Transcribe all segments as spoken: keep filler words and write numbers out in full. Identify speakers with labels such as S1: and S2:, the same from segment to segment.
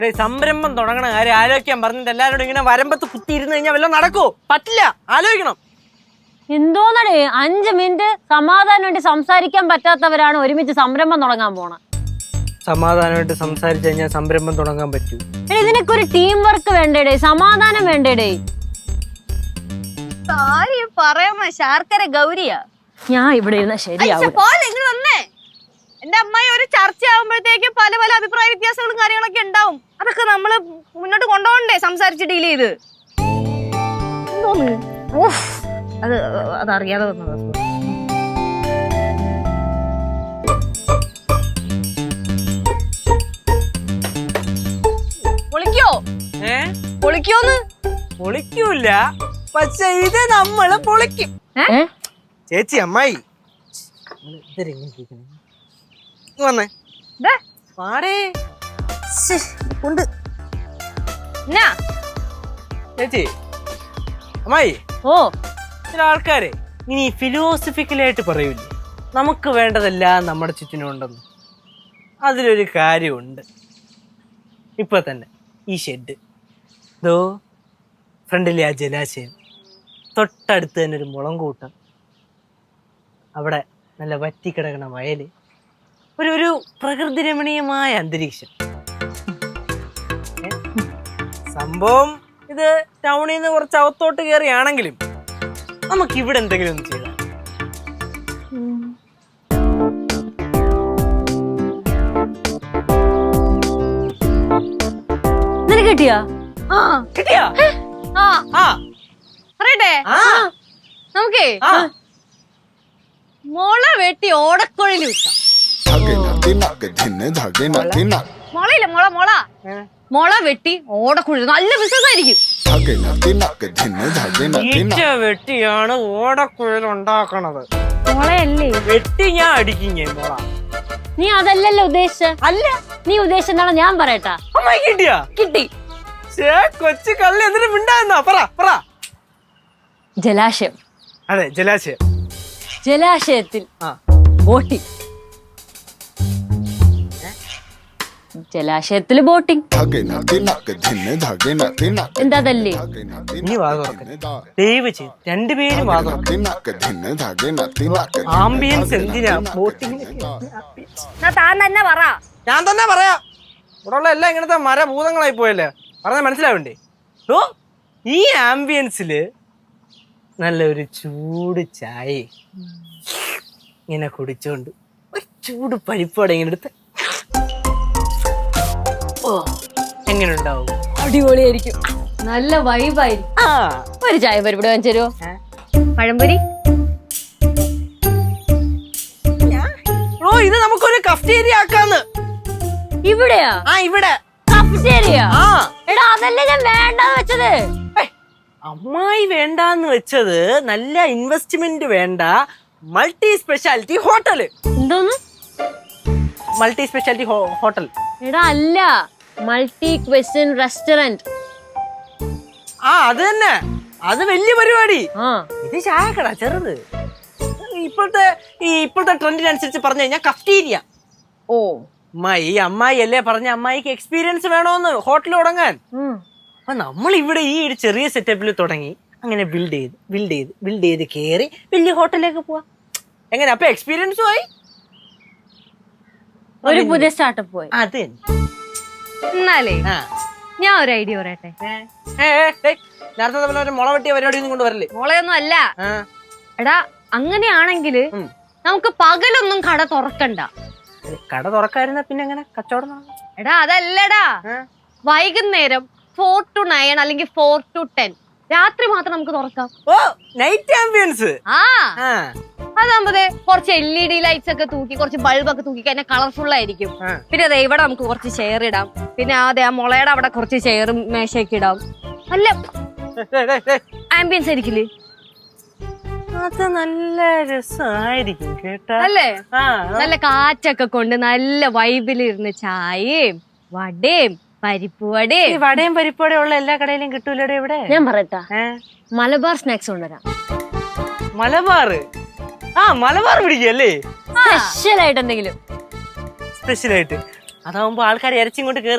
S1: സംരംഭം തുടങ്ങണ കാര്യം ആലോചിക്കാൻ പറഞ്ഞിട്ട് എല്ലാവരോടും ഇങ്ങനെ വരമ്പത്ത് കുത്തിയിരുന്ന് കഴിഞ്ഞാൽ വല്ലതും നടക്കൂ? പറ്റില്ല, ആലോചിക്കണം.
S2: എന്തോന്നടേ അഞ്ച് മിനിറ്റ് സമാധാനമായിട്ട് സംസാരിക്കാൻ പറ്റാത്തവരാണ് ഒരുമിച്ച് സംരംഭം തുടങ്ങാൻ പോണ.
S1: സമാധാനമായിട്ട് സംസാരിച്ചു കഴിഞ്ഞാൽ സംരംഭം തുടങ്ങാൻ പറ്റൂ?
S2: ഇതിനൊക്കെ ഒരു ടീം വർക്ക് വേണ്ടേടേ, സമാധാനം വേണ്ടേടേ.
S3: പറയാമ ശാർക്കര ഗൗരിയാ
S2: ഞാൻ ഇവിടെ ഇരുന്ന ശരിയാവും.
S3: എന്റെ അമ്മായി ഒരു ചർച്ച ആകുമ്പോഴത്തേക്കും പല പല അഭിപ്രായ വ്യത്യാസങ്ങളും കാര്യങ്ങളൊക്കെ ഉണ്ടാവും. അതൊക്കെ നമ്മള് മുന്നോട്ട് കൊണ്ടുപോകണ്ടേ, സംസാരിച്ച് ഡീൽ ചെയ്ത്. അത് അതറിയാതെ വന്നത്. പൊളിക്കോ?
S1: ഏ
S3: പൊളിക്കോന്ന്?
S1: പൊളിക്കൂല, പക്ഷെ ഇത് നമ്മള് പൊളിക്കും. ചേച്ചി അമ്മായി വന്നേ പാടേ കൊണ്ട് ചേച്ചി അമ്മായി.
S2: ഓ
S1: ചില ആൾക്കാരെ ഇനി ഫിലോസഫിക്കലായിട്ട് പറയൂലേ, നമുക്ക് വേണ്ടതെല്ലാം നമ്മുടെ ചുറ്റിനുണ്ടെന്ന്. അതിലൊരു കാര്യമുണ്ട്. ഇപ്പൊ തന്നെ ഈ ഷെഡ്, ദോ ഫ്രണ്ടിലെ ആ ജലാശയം, തൊട്ടടുത്ത് തന്നെ ഒരു മുളം കൂട്ടം, അവിടെ നല്ല വറ്റിക്കിടക്കണ വയല്, ഒരു ഒരു പ്രകൃതി രമണീയമായ അന്തരീക്ഷം. സംഭവം ഇത് ടൗണിൽ നിന്ന് കുറച്ച് അകത്തോട്ട് കയറിയാണെങ്കിലും നമുക്ക് ഇവിടെ എന്തെങ്കിലും ഒന്ന് ചെയ്താൽ.
S2: നിനക്ക് കിട്ടിയാ?
S3: ആ
S1: കിട്ടിയാ?
S3: ആ
S1: ആ
S3: പറയട്ടെ, നമുക്കേ മുള വെട്ടി ഓടക്കുഴലിൽ വിട്ടാം. മുളയില്ല, മുള മുള മുള വെട്ടി ഓടക്കുഴൽ നല്ല ബിസിനസ് ആയിരിക്കും.
S1: ഈച്ച വെട്ടിയാണ് ഓടക്കുഴൽ ഉണ്ടാക്കണത്.
S2: മുളയല്ലേ
S1: വെട്ടി ഞാൻ അടിക്കും ഞാൻ മുള.
S2: നീ അതല്ലല്ലോ ഉദ്ദേശിച്ച.
S1: അല്ല,
S2: നീ ഉദ്ദേശിച്ചെന്താണോ ഞാൻ പറയട്ടാ.
S1: അമ്മായി കിട്ടിയാ?
S2: കിട്ടി.
S1: കൊച്ചു കള്ളി എന്നിട്ട് മിണ്ടായിരുന്നോ? പറ പറ.
S2: ജലാശയം.
S1: അതെ, ജലാശയം.
S2: ജലാശയത്തിൽ ബോട്ടിംഗ്. ജലാശയത്തില് ബോട്ടിംഗ്. എന്താ തല്ലേ?
S1: ഇനി വാദം ദയവ് ചെയ്ത് രണ്ടുപേരും വാദം. ആംബിയൻസ് എന്തിനാ ബോട്ടിംഗ്?
S3: താൻ തന്നെ പറ.
S1: ഞാൻ തന്നെ പറയാം. ഇവിടെ ഉള്ള എല്ലാം ഇങ്ങനത്തെ മരഭൂതങ്ങളായി പോയല്ലേ, പറഞ്ഞാൽ മനസ്സിലാവണ്ടേ? ഓ, ഈ ആംബിയൻസില് നല്ലൊരു ചൂട് ചായ ഇങ്ങനെ കുടിച്ചോണ്ട് ഒരു ചൂട് പരിപ്പോടെ ഇങ്ങനെ എടുത്ത് ഓ എങ്ങനെ ഉണ്ടാവും?
S2: അടിപൊളിയായിരിക്കും, നല്ല വൈബായിരിക്കും.
S1: ആ,
S2: ഒരു ചായ പരിപാടി വാങ്ങിച്ചു തരുമോ?
S3: പഴംപൊരി.
S1: ഓ, ഇത് നമുക്കൊരു കഫ്റ്റേരിയ ആക്കാന്ന്.
S2: ഇവിടെയാ?
S1: ആ, ഇവിടെ
S2: കഫ്റ്റേരിയ.
S1: ആ
S2: എടാ അതല്ലേ ഞാൻ വേണ്ടെന്ന് വെച്ചത്.
S1: അമ്മായി വേണ്ടാന്ന് വെച്ചത് നല്ല ഇൻവെസ്റ്റ്മെന്റ് വേണ്ട മൾട്ടി സ്പെഷ്യാലിറ്റി ഹോട്ടല്.
S2: എന്തോന്ന്?
S1: Multi speciality hotel.
S2: എടാ അല്ല, മൾട്ടി ക്വസ്റ്റ്യൻ റെസ്റ്റോറന്റ്.
S1: ആ അത് തന്നെ, അത് വലിയ പരിപാടി.
S2: ആ
S1: ഇത് ചായക്കട ചെറുത്. ഇപ്പോഴത്തെ ഈ ഇപ്പോഴത്തെ ട്രെൻഡിനനുസരിച്ച് പറഞ്ഞു കഴിഞ്ഞാൽ കഫ്റ്റീരിയ.
S2: ഓ
S1: അമ്മായി അമ്മായി അല്ലേ പറഞ്ഞ അമ്മായിക്ക് എക്സ്പീരിയൻസ് വേണോന്ന് ഹോട്ടൽ തുടങ്ങാൻ. അപ്പൊ നമ്മൾ ഇവിടെ ഈ ഒരു ചെറിയ സെറ്റപ്പിൽ തുടങ്ങി അങ്ങനെ ബിൽഡ് ചെയ്ത് ബിൽഡ് ചെയ്ത് ബിൽഡ് ചെയ്ത് കയറി വലിയ ഹോട്ടലിലേക്ക് പോവാ. എങ്ങനെ? അപ്പൊ എക്സ്പീരിയൻസും ആയി,
S2: ഒരു പുതിയ സ്റ്റാർട്ടപ്പ് പോയി.
S1: അത്
S3: എന്നാലേ ഞാൻ ഒരു ഐഡിയ പറയട്ടെ.
S1: നേരത്തെ പോലെ ഒരു മുള വെട്ടിയ പരിപാടി ഒന്നും കൊണ്ടുവരല്ലേ?
S3: മുളയൊന്നും അല്ല. എടാ അങ്ങനെയാണെങ്കില് നമുക്ക് പകലൊന്നും കട തുറക്കണ്ട.
S1: കട തുറക്കായിരുന്ന പിന്നെ എങ്ങനെ കച്ചവടം?
S3: എടാ അതല്ലടാ, വൈകുന്നേരം ഫോർ ടു നയൻ അല്ലെങ്കിൽ ഫോർ ടു ടെൻ രാത്രി മാത്രം നമുക്ക് തുറക്കാം.
S1: ഓ, നൈറ്റ് ആംബിയൻസ്.
S3: ആ അതാകുമ്പോ കുറച്ച് എൽ ഇ ഡി ലൈറ്റ്സ് ഒക്കെ തൂക്കി കുറച്ച് ബൾബൊക്കെ തൂക്കി കഴിഞ്ഞാൽ കളർഫുൾ ആയിരിക്കും. പിന്നെ അതെ ഇവിടെ നമുക്ക് കുറച്ച് ചെയർ ഇടാം. പിന്നെ അതെ ആ മുളയുടെ അവിടെ കുറച്ച് ചെയറും മേശയൊക്കെ ഇടാം. നല്ല ആംബിയൻസ് ആയിരിക്കില്ലേ?
S1: അത് നല്ല രസമായിരിക്കും കേട്ടാ.
S3: അല്ലേ? നല്ല കാറ്റൊക്കെ കൊണ്ട് നല്ല വൈബിലിരുന്ന് ചായയും വടയും പരിപ്പ് വടയും.
S1: വടയും പരിപ്പോടെ ഉള്ള എല്ലാ കടയിലും കിട്ടൂലടെ ഇവിടെ.
S2: ഞാൻ പറയട്ടാ, മലബാർ സ്നാക്സ് കൊണ്ടുവരാം.
S1: മലബാർ? ആ മലബാർ പിടിക്കല്ലേ?
S2: സ്പെഷ്യൽ ആയിട്ട് എന്തെങ്കിലും.
S1: സ്പെഷ്യൽ ആയിട്ട് അതാവുമ്പോ ആൾക്കാർ ഇറച്ചിങ്ങോട്ട് കേറും.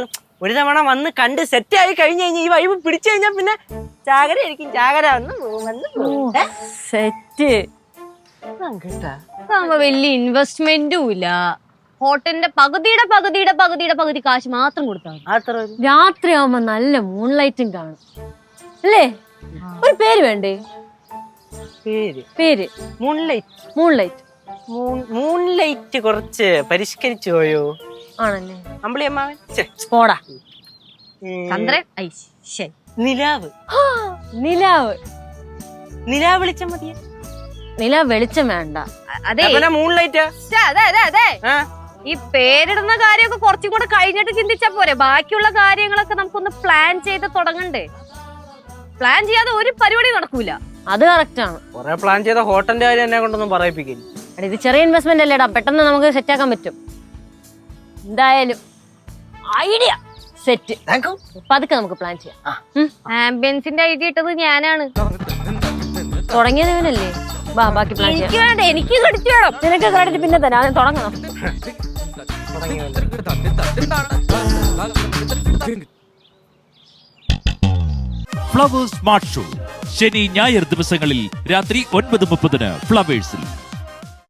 S1: ഒരു തവണ വന്ന് കണ്ട് സെറ്റ് ആയി കഴിഞ്ഞു കഴിഞ്ഞാൽ ഈ വൈബ് പിടിച്ചു കഴിഞ്ഞാൽ പിന്നെ ചാകര ആയിരിക്കും. ചാകര വന്ന് പോകും, വന്ന് പോകും. ഏ?
S2: സെറ്റ്.
S1: കേട്ടാ
S3: അതാകുമ്പോ വലിയ ഇൻവെസ്റ്റ്മെന്റും ഇല്ല. ഹോട്ടലിന്റെ പകുതിയുടെ പകുതിയുടെ പകുതിയുടെ പകുതി കാശ് മാത്രം കൊടുത്താൽ മതി.
S1: അത്ര ഒരു
S2: രാത്രിയാവുമ്പോ നല്ല മൂൺലൈറ്റും കാണും അല്ലേ? ഒരു പേര് വേണ്ടേ?
S1: പേര്
S2: പേര്
S1: മൂൺലൈറ്റ്.
S2: മൂൺലൈറ്റ്
S1: മൂൺലൈറ്റ് കുറച്ച് പരിഷ്കരിച്ചു പോയോ
S2: ആണല്ലേ?
S1: അമ്പിളി അമ്മാവൻ. ഛെ,
S2: പോടാ.
S1: ഉം,
S3: ചന്ദ്രൻ ഐ ശരി.
S1: നിലാവ്.
S2: നിലാവ്.
S1: നിലാവ് വിളിച്ച മതിയെ.
S2: നിലാവ് വെളിച്ചം വേണ്ട.
S3: അതെ
S1: മൂൺലൈറ്റാ.
S3: ശ്ശെ, അതെ അതെ അതെ ഈ പേരിടുന്ന കാര്യമൊക്കെ കുറച്ചും കൂടെ കഴിഞ്ഞിട്ട് ചിന്തിച്ചാ പോരെ. ബാക്കിയുള്ള കാര്യങ്ങളൊക്കെ നമുക്കൊന്ന് പ്ലാൻ ചെയ്ത് തുടങ്ങണ്ടേ? പ്ലാൻ ചെയ്യാതെ ഒരു പരിപാടി നടക്കൂല.
S2: അത് കറക്റ്റ് ആണ്.
S1: കൊറേ പ്ലാൻ ചെയ്ത ഹോട്ടലിന്റെ കാര്യം എന്നെ കൊണ്ടൊന്നും പറയിപ്പിക്കില്ല.
S2: എടാ, ഇത് ചെറിയ ഇൻവെസ്റ്റ്മെന്റ് അല്ലേടാ, പെട്ടെന്ന് നമുക്ക് സെറ്റ് ആക്കാൻ പറ്റും. എന്തായാലും ഐഡിയ സെറ്റ്. പതുക്കെ നമുക്ക് പ്ലാൻ ചെയ്യാം.
S3: ആംബിയൻസിന്റെ ഐഡിയ ഇട്ടത് ഞാനാണ്.
S2: തുടങ്ങിയത് ഇവനല്ലേ? ബാ, ബാക്കി പ്ലാൻ
S3: എനിക്ക്
S2: ചെയ്യാം.
S3: വേണ്ട, എനിക്ക് കടിച്ചു വേണം.
S2: നിനക്ക് ക്രെഡിറ്റ് പിന്നെ തരാം. തുടങ്ങണം.
S4: ഫ്ലവേഴ്സ് സ്മാർട്ട് ഷോ ശനി ഞായർ ദിവസങ്ങളിൽ രാത്രി ഒൻപത് മുപ്പതിന് ഫ്ലവേഴ്സിൽ.